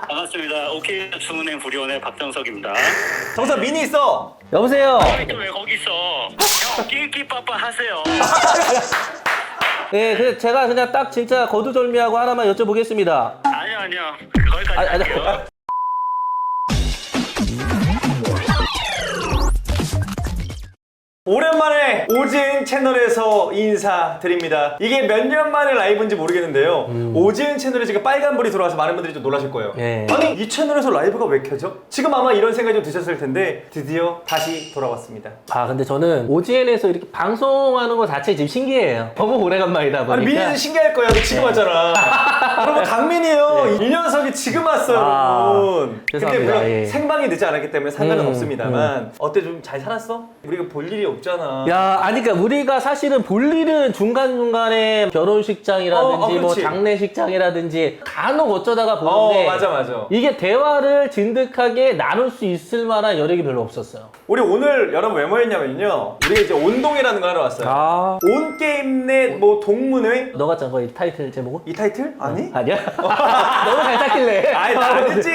반갑습니다. 오케이 주문행 부리원의 박정석입니다. 정서 미니 있어. 여보세요. 왜 거기 있어? 형 끼끼빠빠 하세요. 예, 그 제가 그냥 딱 진짜 거두절미하고 하나만 여쭤보겠습니다. 아니요. 거기까지 아니, 할게요. 오랜만에 오지은 채널에서 인사드립니다. 이게 몇 년 만에 라이브인지 모르겠는데요. 오지은 채널에 지금 빨간불이 들어와서 많은 분들이 좀 놀라실 거예요. 예. 아니 이 채널에서 라이브가 왜 켜져? 지금 아마 이런 생각이 좀 드셨을 텐데 드디어 다시 돌아왔습니다. 아, 근데 저는 OGN에서 이렇게 방송하는 거 자체 지금 신기해요. 너무 오래간만이다 보니까. 아니 민이는 신기할 거야. 너 지금 왔잖아. 여러분 강민이요. 이 녀석이 지금 왔어요, 여러분. 근데 죄송합니다. 물론 예. 생방이 늦지 않았기 때문에 상관은 없습니다만 어때 좀 잘 살았어? 우리가 볼 일이 없잖아. 야, 아니, 그러니까 우리가 사실은 볼 일은 중간중간에 결혼식장이라든지 뭐 그렇지. 장례식장이라든지 간혹 어쩌다가 보는데 맞아. 이게 대화를 진득하게 나눌 수 있을 만한 여력이 별로 없었어요. 우리 오늘 여러분 왜 모였냐면요. 우리가 이제 온동이라는 거 하러 왔어요. 아, 온게임넷 뭐 동문회? 너가 짠 거 이 타이틀 제목은? 이 타이틀? 아니? 아니야? 너무 잘 짰길래. 아니 나 아니지.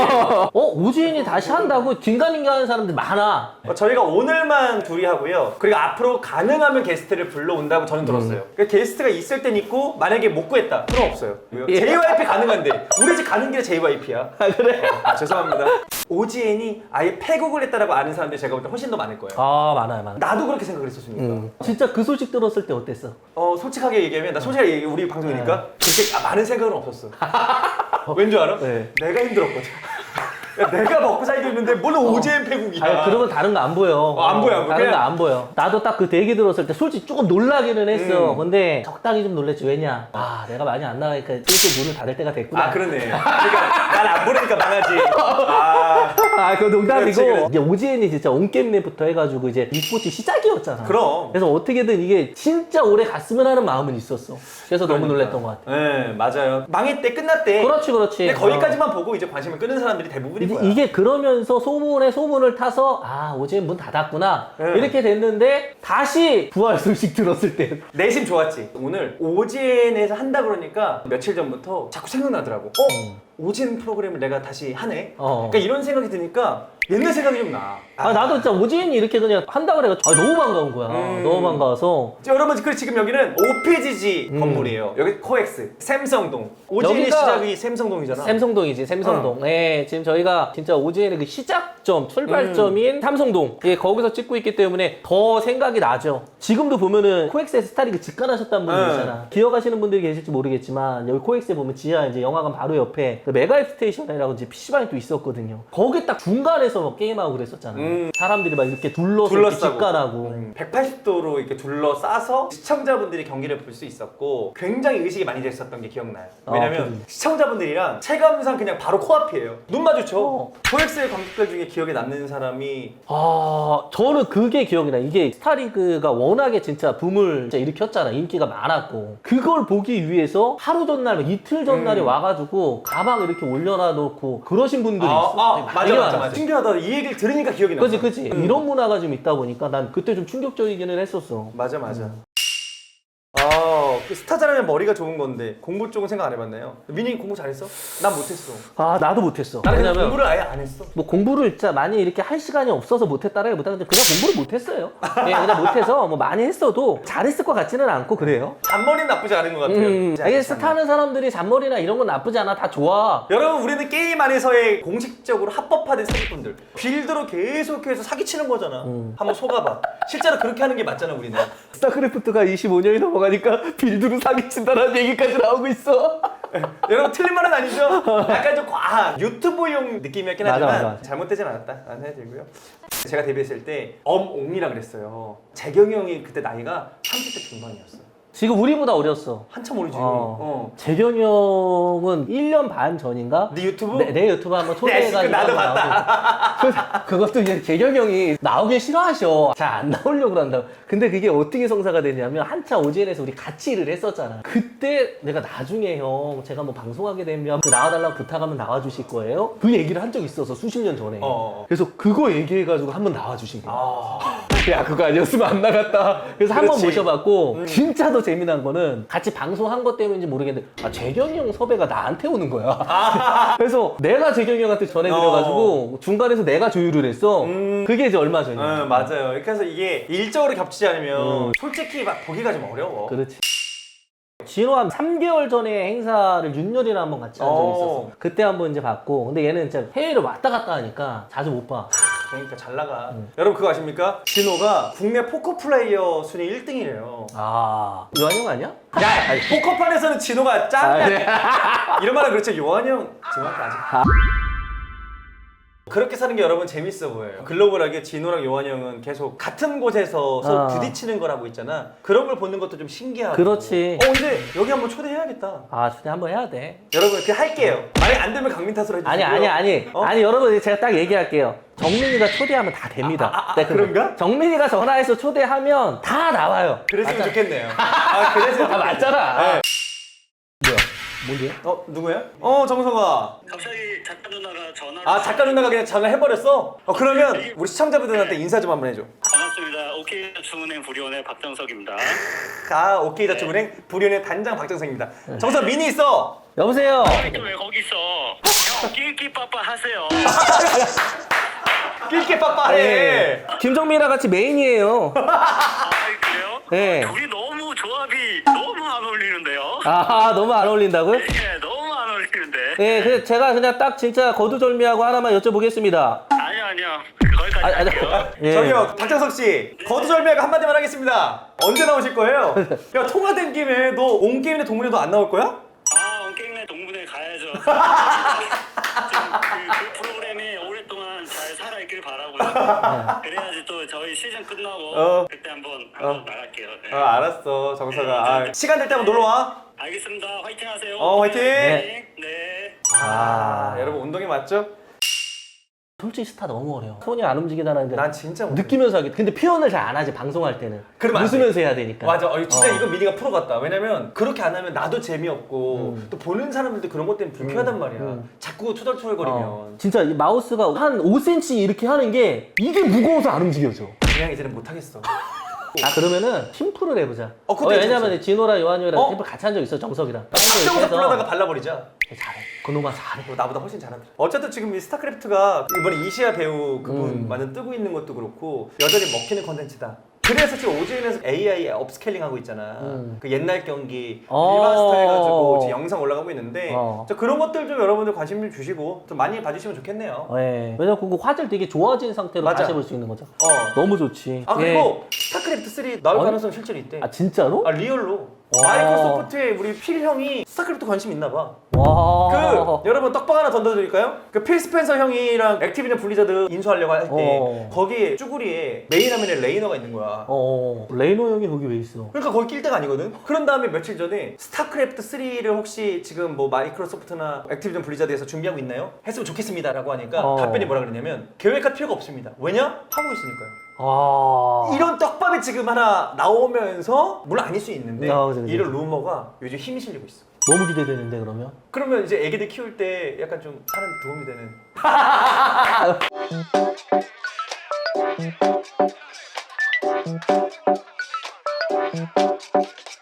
오지은이 다시 한다고 긴가민가 하는 사람들 많아. 저희가 오늘만 둘이 하고요. 그리고 앞으로 가능하면 게스트를 불러온다고 저는 들었어요. 그러니까 게스트가 있을 땐 있고 만약에 못 구했다. 그럼 없어요. 예. JYP 가능한데 우리 집 가는 길에 JYP야. 아, 그래? 죄송합니다. OGN이 아예 패국을 했다라고 아는 사람들이 제가 볼 때 훨씬 더 많을 거예요. 아, 많아요. 나도 그렇게 생각을 했었으니까. 진짜 그 소식 들었을 때 어땠어? 솔직하게 얘기하면 나 솔직하게 얘기해. 우리 방송이니까 그렇게 많은 생각은 없었어. 왠 줄 알아? 네. 내가 힘들었거든. 야, 내가 먹고 살기 힘든데 뭘 OGN 패국이야. 아니, 그러면 다른 거 안 보여. 안 보여. 다른 그냥- 거 안 보여. 나도 딱 그 대기 들었을 때 솔직히 조금 놀라기는 했어. 근데 적당히 좀 놀랬지. 왜냐? 아, 내가 많이 안 나가니까 슬슬 문을 닫을 때가 됐구나. 아 그러네. 그러니까 난 안 보내니까 망하지. 아 그거 농담이고. 그렇지. 이제 OGN이 진짜 온게임넷부터 해가지고 이제 e스포츠 시작이었잖아. 그럼. 그래서 어떻게든 이게 진짜 오래 갔으면 하는 마음은 있었어. 그래서 너무 그러니까. 놀랬던 것 같아. 네 맞아요. 망했대 끝났대. 그렇지. 근데 거기까지만 보고 이제 관심을 끄는 사람들이 대부분인 거야. 이게 그러면서 소문에 소문을 타서 아, OGN 문 닫았구나. 네. 이렇게 됐는데 다시 부활 소식 들었을 때 내심 좋았지. 오늘 OGN에서 한다 그러니까 며칠 전부터 자꾸 생각나더라고. OGN 프로그램을 내가 다시 하네. 그러니까 이런 생각이 드니까 옛날 생각이 좀 나. 나도 진짜 OGN이 이렇게 그냥 한다 그래가지고 너무 반가운 거야. 너무 반가워서. 여러분 그리고 지금 여기는 OPGG 건물이에요. 여기 코엑스 샘성동. OGN의 여기가 시작이 샘성동이잖아. 샘성동이지, 샘성동. 네, 지금 저희가 진짜 OGN의 그 시작점, 출발점인 삼성동. 예, 거기서 찍고 있기 때문에 더 생각이 나죠. 지금도 보면은 코엑스에서 스타리그 직관하셨다는 분들 있잖아. 기억하시는 분들이 계실지 모르겠지만 여기 코엑스에 보면 지하 이제 영화관 바로 옆에 그 메가 스테이션이라고 이제 PC방이 또 있었거든요. 거기 딱 중간에서 막 게임하고 그랬었잖아. 사람들이 막 이렇게 둘러서 이렇게 둘러싸고. 직관하고. 180도로 이렇게 둘러싸서 시청자분들이 경기를 볼 수 있었고 굉장히 의식이 많이 됐었던 게 기억나요. 왜냐면 그지. 시청자분들이랑 체감상 그냥 바로 코앞이에요. 눈 마주쳐. 어. 코엑스의 관객들 중에 기억에 남는 사람이 저는 그게 기억이 나. 이게 스타리그가 워낙에 진짜 붐을 진짜 일으켰잖아. 인기가 많았고. 그걸 보기 위해서 하루 전날, 이틀 전날에 와가지고 가방 이렇게 올려놔 놓고 그러신 분들이 있어. 맞아. 신기하다. 이 얘기를 들으니까 기억이 나. 그치. 이런 문화가 좀 있다 보니까 난 그때 좀 충격적이기는 했었어. 맞아. 그 스타자라면 머리가 좋은 건데 공부 쪽은 생각 안 해봤나요? 민이 공부 잘했어? 난 못했어. 나도 못했어. 나는 그냥 왜냐면 공부를 아예 안 했어. 뭐 공부를 진짜 많이 이렇게 할 시간이 없어서 못했다라기보다 그냥 공부를 못했어요. 그냥 못해서 뭐 많이 했어도 잘했을 것 같지는 않고 그래요. 잔머리는 나쁘지 않은 것 같아요. 이게 스타는 사람들이 잔머리나 이런 건 나쁘지 않아. 다 좋아. 여러분 우리는 게임 안에서의 공식적으로 합법화된 사기꾼들 빌드로 계속해서 사기치는 거잖아. 한번 속아봐. 실제로 그렇게 하는 게 맞잖아 우리는. 스타크래프트가 25년이 넘어가니까 빌드로 사기친다라는 얘기까지 나오고 있어. 여러분 틀린 말은 아니죠? 약간 좀 과한 유튜브용 느낌이었긴 맞아, 하지만 맞아. 잘못되진 않았다 라는 생각이 들고요. 제가 데뷔했을 때 엄옹이라 그랬어요. 재경이 형이 그때 나이가 30대 중반이었어. 지금 우리보다 어렸어. 한참 어리지. 재경이 형은 1년 반 전인가? 네 유튜브? 내 유튜브 한번 초대해가지고 나도 한번 나오고. 그것도 이제 재경이 형이 나오길 싫어하셔. 잘 안 나오려고 한다고. 근데 그게 어떻게 성사가 되냐면 한참 OGN에서 우리 같이 일을 했었잖아. 그때 내가 나중에 형 제가 뭐 방송하게 되면 그 나와달라고 부탁하면 나와주실 거예요? 그 얘기를 한 적이 있어서 수십 년 전에. 그래서 그거 얘기해가지고 한번 나와주신 거야. 야 그거 아니었으면 안 나갔다. 그래서 한 번 그렇지. 모셔봤고 진짜 더 재미난 거는 같이 방송한 것 때문인지 모르겠는데 재경이 형 섭외가 나한테 오는 거야. 그래서 내가 재경이 형한테 전해드려가지고 중간에서 내가 조율을 했어. 그게 이제 얼마 전이야. 맞아요. 그래서 이게 일적으로 겹치지 않으면 솔직히 막 보기가 좀 어려워. 그렇지. 진호 한 3개월 전에 행사를 윤열이랑 한번 같이 한 적이 있었어. 그때 한번 이제 봤고, 근데 얘는 진짜 해외를 왔다 갔다 하니까 자주 못 봐. 그러니까 잘 나가. 여러분 그거 아십니까? 진호가 국내 포커 플레이어 순위 1등이래요. 요한 형 아니야? 야, 포커판에서는 진호가 짱이야. 네. 이런 말은 그렇죠. 요한이 형 진호한테 아직. 그렇게 사는 게 여러분 재밌어 보여요. 글로벌하게 진호랑 요한이 형은 계속 같은 곳에서 서로 부딪히는 거라고 있잖아. 그런 걸 보는 것도 좀 신기하고. 그렇지. 근데 여기 한번 초대해야겠다. 초대 한번 해야 돼. 여러분 그렇게 할게요. 만약 안 되면 강민 탓으로 해주세요. 아니 여러분 제가 딱 얘기할게요. 정민이가 초대하면 다 됩니다. 네, 그런가? 정민이가 전화해서 초대하면 다 나와요. 그랬으면 좋겠네요. 그랬으면 좋겠네요. 맞잖아. 네. 뭐야? 뭔데? 누구야? 정성아. 갑자기 작가 누나가 전화를. 작가 누나가 그냥 전화해버렸어? 그러면 우리 시청자분들한테 인사 좀 한번 해줘. 반갑습니다. OK 주문행 부리원의 박정석입니다. 오케이 자축은행 불연의 단장 박정성입니다. 정성 미니 있어. 여보세요. 왜 거기 있어? 형 낄끼빠빠 하세요. 낄끼 빠빠해. 김정민이랑 같이 메인이에요. 그래요? 네. 둘이 너무 조합이 너무 안 어울리는데요? 너무 안 어울린다고요? 네, 너무 안 어울리는데. 네, 그래서 제가 그냥 딱 진짜 거두절미하고 하나만 여쭤보겠습니다. 아니요. 거기까지 할게요. 예. 저기요 박정석 씨 거두절미하고 한마디만 하겠습니다. 언제 나오실 거예요? 야 통화된 김에 너 온 게임의 동문회 너 안 나올 거야? 온게임내 동문회 가야죠. 그 프로그램이 오랫동안 잘 살아있길 바라고요. 그래야지 또 저희 시즌 끝나고 그때 한번 나갈게요. 네. 알았어 정석아. 시간 될 때 한번 놀러 와. 알겠습니다. 화이팅 하세요. 화이팅. 네. 여러분 운동이 맞죠? 솔직히 스타 너무 어려워. 손이 안 움직이다는 게 난 진짜 못해. 느끼면서 하기. 근데 표현을 잘 안 하지 방송할 때는. 그러면 안 웃으면서 해야 되니까. 맞아. 진짜 이건 미니가 프로 같다. 왜냐면 그렇게 안 하면 나도 재미없고 또 보는 사람들도 그런 것 때문에 불쾌하단 말이야. 자꾸 투덜투덜거리면 진짜 이 마우스가 한 5cm 이렇게 하는 게 이게 무거워서 안 움직여져. 그냥 이제는 못하겠어. 그러면은 팀플을 해보자. 그때 왜냐면 진호랑 요한이랑 팀플 같이 한 적 있어 정석이랑. 박정석 불러다가 발라버리자. 잘해. 그놈아 잘해. 나보다 훨씬 잘하더라. 어쨌든 지금 이 스타크래프트가 이번에 이시아 배우 그분 완전 뜨고 있는 것도 그렇고 여전히 먹히는 컨텐츠다. 그래서 지금 오즈인에서 AI 업스케일링 하고 있잖아. 그 옛날 경기 리마스터 해가지고 지금 영상 올라가고 있는데 그런 것들 좀 여러분들 관심 좀 주시고 좀 많이 봐주시면 좋겠네요. 네. 왜냐면 그거 화질 되게 좋아진 상태로 맞아. 다시 해볼 수 있는 거죠. 너무 좋지. 그리고 스타크래프트 3 나올 가능성 실제로 있대. 진짜로? 리얼로. 마이크로소프트의 우리 필 형이 스타크래프트 관심 있나 봐. 와. 여러분 떡밥 하나 던져드릴까요? 필 스펜서 형이랑 액티비전 블리자드 인수하려고 할 때 거기에 쭈구리에 메인 화면에 레이너가 있는 거야. 레이너 형이 거기 왜 있어? 그러니까 거기 낄 데가 아니거든. 그런 다음에 며칠 전에 스타크래프트 3를 혹시 지금 뭐 마이크로소프트나 액티비전 블리자드에서 준비하고 있나요? 했으면 좋겠습니다라고 하니까 답변이 뭐라 그러냐면 계획할 필요가 없습니다. 왜냐? 하고 있으니까요. 이런 떡밥이 지금 하나 나오면서 물론 아닐 수 있는데 그치. 이런 루머가 요즘 힘이 실리고 있어. 너무 기대되는데 그러면? 그러면 이제 애기들 키울 때 약간 좀 사는 도움이 되는